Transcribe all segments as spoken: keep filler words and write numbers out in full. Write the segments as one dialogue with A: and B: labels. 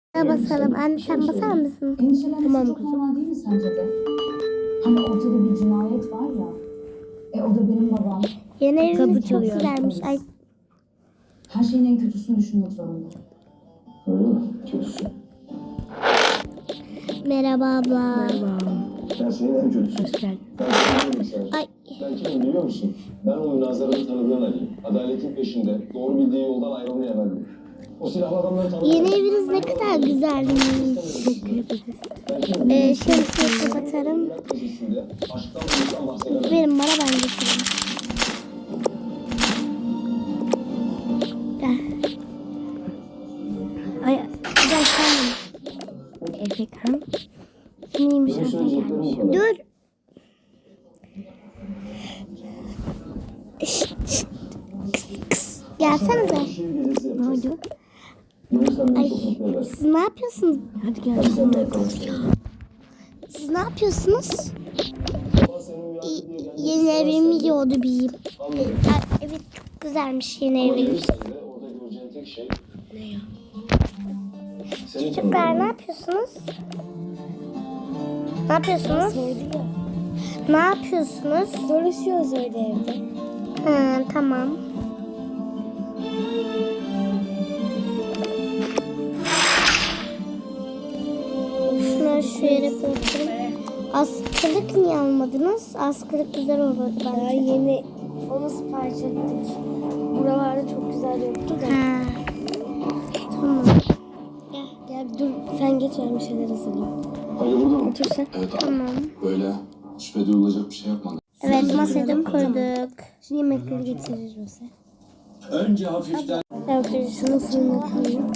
A: Basalım. Anne sen basar mısın?
B: Endişelenmesi çok normal değil mi sence de? Hani ortada bir cinayet var ya. E o da benim babam.
A: Yeni evimiz çok
C: çalıyor.
A: güzelmiş. Ay,
B: Her şeyin en kötüsünü düşünmek zorunda.
D: Öyle mi? Kötüsü.
A: merhaba abla.
C: Merhaba.
D: Her şeyin en kötüsü.
C: Hoş geldin.
D: Ben kimim sen?
A: Ay.
D: Ben kimim biliyor musun? Ben o münazarada tanıdığın Ali. Adaletin peşinde, doğru bildiği yoldan ayrılmayan Ali. O silahlı adamları tanıdığın
A: Yeni eviniz ne kadar güzelmiş.
D: Ben kimim?
A: Ee, şemsiyeyi kapatarım.
D: Evlat gecesinde aşktan buluştan bahsedemem.
A: Verin bana, ben getireyim. Gel. Ay, gel sen.
C: Efekan.
A: Neymiş
D: Benim
A: orada
D: söyleyeceklerim
A: gelmiş.
D: bu kadar.
A: Dur. Şşt, şşt. Kıs, kıs. Gelsenize.
D: Şiir gecesi
C: Ne
D: yapacağız.
C: oldu?
D: Görürsen beni
A: Ay,
D: çok mutlu edersin.
A: siz ne yapıyorsunuz?
C: Hadi gel.
D: Hadi sen de yapalım.
A: Siz ne yapıyorsunuz?
D: Baba senin uyandı diye gelmek
A: Yeni evimi
D: istemezsen-
A: yiyordu bir.
D: Anladım.
A: Ay, evet, çok güzelmiş yeni
D: Ama
A: evimiz.
D: gelirsen de orada göreceğin tek şey
C: Ne ya?
D: senin
A: Çocuklar ne
D: tanıdığın.
A: yapıyorsunuz? Ne yapıyorsunuz? Ne yapıyorsunuz?
C: Dolaşıyoruz öyle evde.
A: Hı, tamam. Şunları şu yere bırakırım. Askılık niye almadınız? Askılık güzel olurdu
C: Daha
A: bence.
C: yeni onu sipariş ettik. Buralarda çok güzel yoktu da.
A: Ha. Tamam.
C: Gel, gel dur sen geç, ben bir şeyler hazırlayayım.
D: Ali burada mı?
C: Otur sen.
D: Evet abi.
A: Tamam.
D: Böyle şüphe duyulacak bir şey yapmadım.
A: Evet, masada koyduk.
C: Şu yemekleri getirir misin?
D: Önce hafiften
C: Evet, şunu fırına koyayım.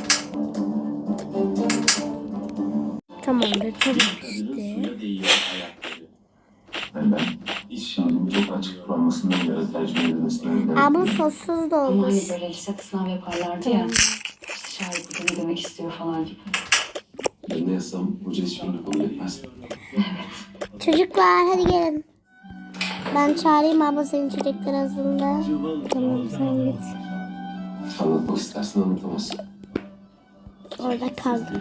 C: Tamamdır, tamam işte.
D: suya değiyor ayakları. Yani ben iş şiirinin çok açık kalmasını ya tercih edilmesini
A: Aa, bu sossuz da
B: Ama
A: olur.
B: hani böyle lisede sınav yaparlardı ya. İşte şahit bu ne demek istiyor falan gibi.
D: Ben ne yazsam hoca hiçbirini kabul etmez.
A: Çocuklar hadi gelin. Ben çağırayım abla senin çocuklar aslında.
C: Tamam, sen git.
D: Anlatmak istersin anlatamazsın.
A: Orada kaldım.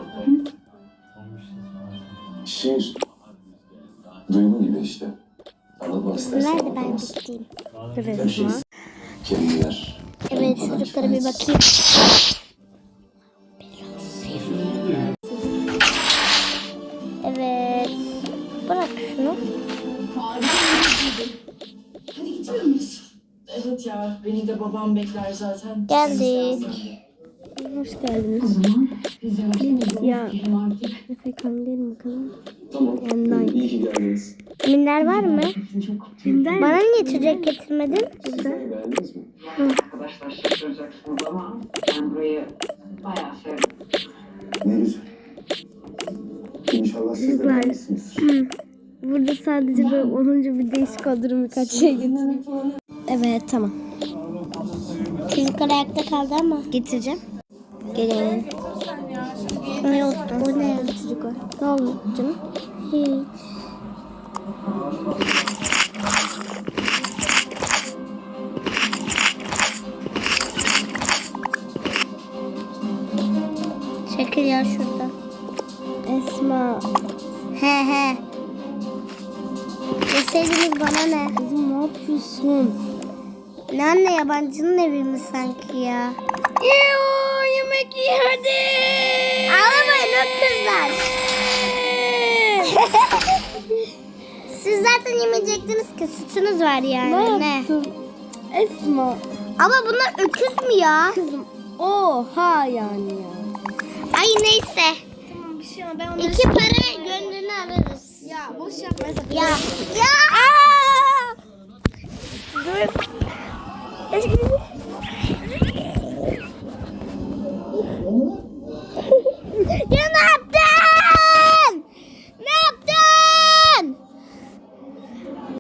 D: Şiir. Duygu gibi işte. Anlatmak istersen
A: Nerede ben
D: anlatamazsın.
A: gideyim?
D: Her şey kelimeler.
A: Evet, çocuklara bir bakayım. Evet. Bırak şunu.
E: Hadi gidiyor muyuz? Evet ya, beni de babam bekler zaten.
A: Geldik.
C: Hoş geldiniz.
B: O zaman biz yavaş yavaş
C: Ya.
B: gidelim artık.
C: Efekan gelin bakalım.
D: Tamam.
C: Yandan.
D: İyi ki geldiniz.
A: Minder var mı?
B: Çok
C: Kimden?
A: Bana niye çocuk getirmedin?
D: Sizler beğendiniz mi?
E: Arkadaşlar şaşıracaksınız ama ben burayı bayağı sevdim.
D: Ne güzel. İnşallah siz de
C: Çocuklar.
D: beğenmişsinizdir.
C: Burada sadece böyle olunca bir değişik olurum, birkaç şey getireyim. Evet, tamam.
A: Çocuklar ayakta kaldı ama.
C: Getireceğim.
A: Gelin. Ne oldu? Bu ne?
C: Çocuklar.
A: Ne oldu canım? Hiç. Çekil ya şurada.
C: Esma.
A: He he. Deseydiniz bana ne?
C: Kızım ne yapıyorsun?
A: Ne anne, yabancının evi mi sanki ya?
C: Yoo, yemek yedi.
A: Ağlamayın o kızlar. Siz zaten yemeyecektiniz ki, suçunuz var yani.
C: Ne yaptın? Esma.
A: Ama bunlar öküz mü ya?
C: Kızım. Oha yani ya.
A: Ay neyse.
C: Tamam, bir şey ama ben onları...
A: İki para gönlünü alırız.
C: Ya boş yapma Esma.
A: Ya. Ya. Aa! Dur.